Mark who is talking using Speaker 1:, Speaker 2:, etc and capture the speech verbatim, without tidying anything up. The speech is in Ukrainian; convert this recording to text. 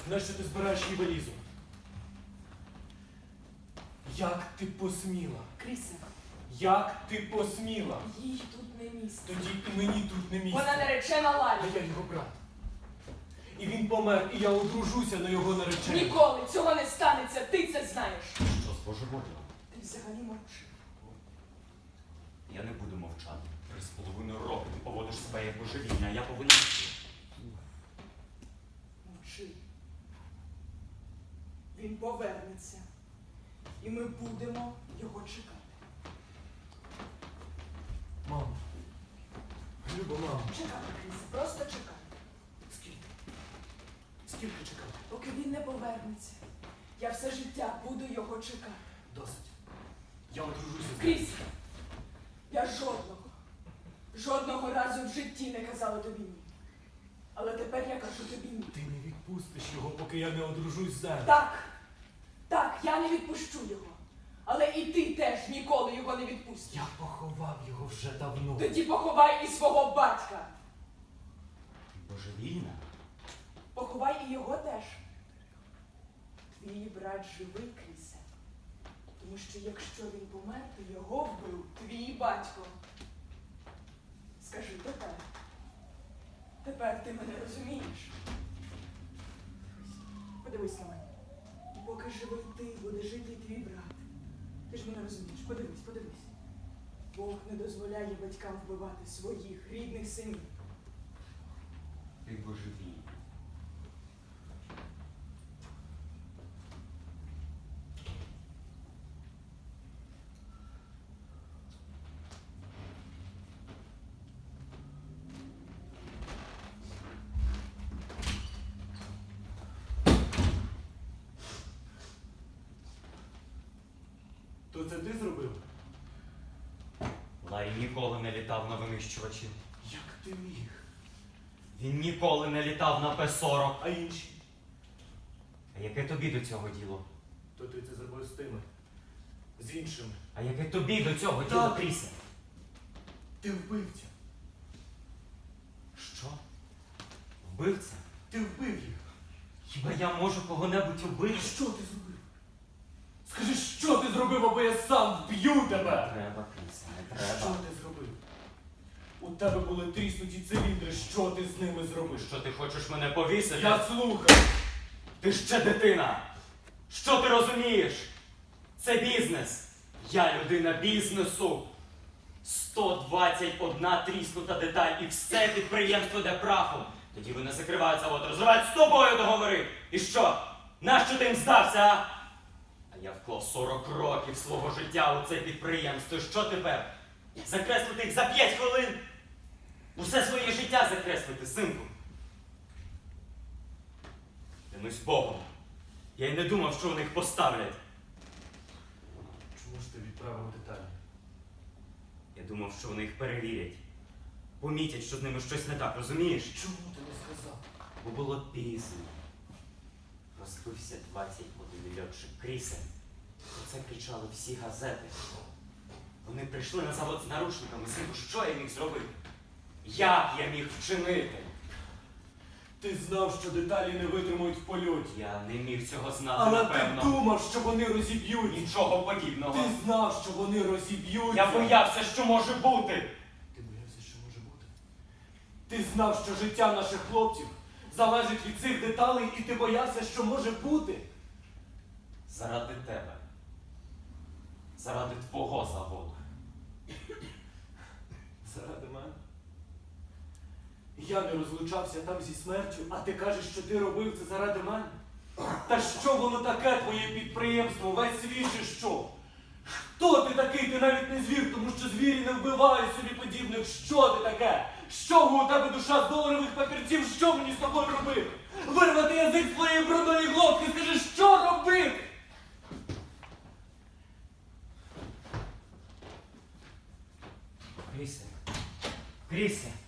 Speaker 1: Нащо ти збираєш її валізу? Як ти посміла?
Speaker 2: Крісе,
Speaker 1: Як ти посміла?
Speaker 2: їй тут не місце.
Speaker 1: Тоді і мені тут не місце.
Speaker 2: Вона наречена Лалі.
Speaker 1: А я його брат. І він помер, і я одружуся на його нареченій.
Speaker 2: Ніколи цього не станеться, ти це знаєш.
Speaker 3: Що з божеволіла?
Speaker 2: Ти взагалі мовчи.
Speaker 3: Я не буду мовчати. Три з половиною роки ти поводиш себе як божевільна, а я повинен...
Speaker 2: Мовчи. Він повернеться. І ми будемо його чекати.
Speaker 1: Мамо. Люба, мамо.
Speaker 2: Чекати, Крісе, просто чекати.
Speaker 1: Скільки? Скільки чекати?
Speaker 2: Поки він не повернеться, я все життя буду його чекати.
Speaker 1: Досить. Я одружуся з ним.
Speaker 2: Крісе, я жодного, жодного разу в житті не казала тобі ні. Але тепер я кажу тобі ні.
Speaker 1: Ти не відпустиш його, поки я не одружусь з ним.
Speaker 2: Так, так, я не відпущу його. Але і ти теж ніколи його не відпустиш.
Speaker 1: Я поховав його вже давно.
Speaker 2: Тоді поховай і свого батька.
Speaker 3: Ти божевільна?
Speaker 2: Поховай і його теж. Твій брат живий, Крісе. Тому що якщо він помер, то його вбив твій батько. Скажи тепер. Тепер ти мене розумієш. Подивись на мене. І поки живий ти, буде жити і твій брат. Ти ж мене розумієш. Подивись, подивись. Бог не дозволяє батькам вбивати своїх рідних синів.
Speaker 3: Ти божевільна.
Speaker 1: То це ти зробив?
Speaker 3: Ларі ніколи не літав на винищувачі.
Speaker 1: Як ти міг?
Speaker 3: Він ніколи не літав на Пе сорок.
Speaker 1: А інші?
Speaker 3: А яке тобі до цього діло?
Speaker 1: То ти це зробив з тими. З іншими.
Speaker 3: А яке тобі до цього діло,
Speaker 1: Так.
Speaker 3: Крісе?
Speaker 1: Ти вбивця.
Speaker 3: Що? Вбивця?
Speaker 1: Ти вбив їх.
Speaker 3: Хіба я можу кого-небудь убити?
Speaker 1: Що ти зробив? Скажи, що ти зробив, або я сам вб'ю
Speaker 3: Не
Speaker 1: тебе!
Speaker 3: треба, Крісе, не
Speaker 1: Що
Speaker 3: треба.
Speaker 1: ти зробив? У тебе були тріснуті циліндри, що ти з ними зробив?
Speaker 3: Що ти хочеш мене повісити?
Speaker 1: Я слухаю!
Speaker 3: Ти ще дитина! Що ти розумієш? Це бізнес. Я людина бізнесу. сто двадцять одна тріснута деталь і все підприємство йде прахом. Тоді вони закривають завод, розривають з тобою договори. І що? Нащо ти їм здався, а? А я вклав сорок років свого життя у це підприємство. І що тепер? Закреслити їх за п'ять хвилин? Усе своє життя закреслити, синку. Клянусь Богом. Я й не думав, що вони їх поставлять.
Speaker 1: Чому ж ти відправив деталі?
Speaker 3: Я думав, що вони їх перевірять. Помітять, що з ними щось не так, розумієш?
Speaker 1: Чому ти не сказав?
Speaker 3: Бо було пізно. Розбився двадцять один льотчик Крісе. Про це кричали всі газети. Вони прийшли на завод з наручниками. Синку, що я міг зробити? Як я міг вчинити?
Speaker 1: Ти знав, що деталі не витримують в польоті.
Speaker 3: Я не міг цього знати,
Speaker 1: Але
Speaker 3: напевно.
Speaker 1: ти думав, що вони розіб'ють.
Speaker 3: Нічого подібного.
Speaker 1: Ти знав, що вони розіб'ються.
Speaker 3: Я боявся, що може бути.
Speaker 1: Ти боявся, що може бути? Ти знав, що життя наших хлопців залежить від цих деталей, і ти боявся, що може бути.
Speaker 3: Заради тебе. Заради твого заводу.
Speaker 1: Заради мене? Я не розлучався там зі смертю, а ти кажеш, що ти робив це заради мене? Та що воно таке, твоє підприємство, весь світ чи що? Хто ти такий? Ти навіть не звір, тому що звірі не вбивають собі подібних. Що ти таке? Що у тебе душа з доларових папірців? Що мені з тобою робити? Вирвати язик з твоєї брудної глотки, скажи, що робити?
Speaker 3: Крісе. Крісе.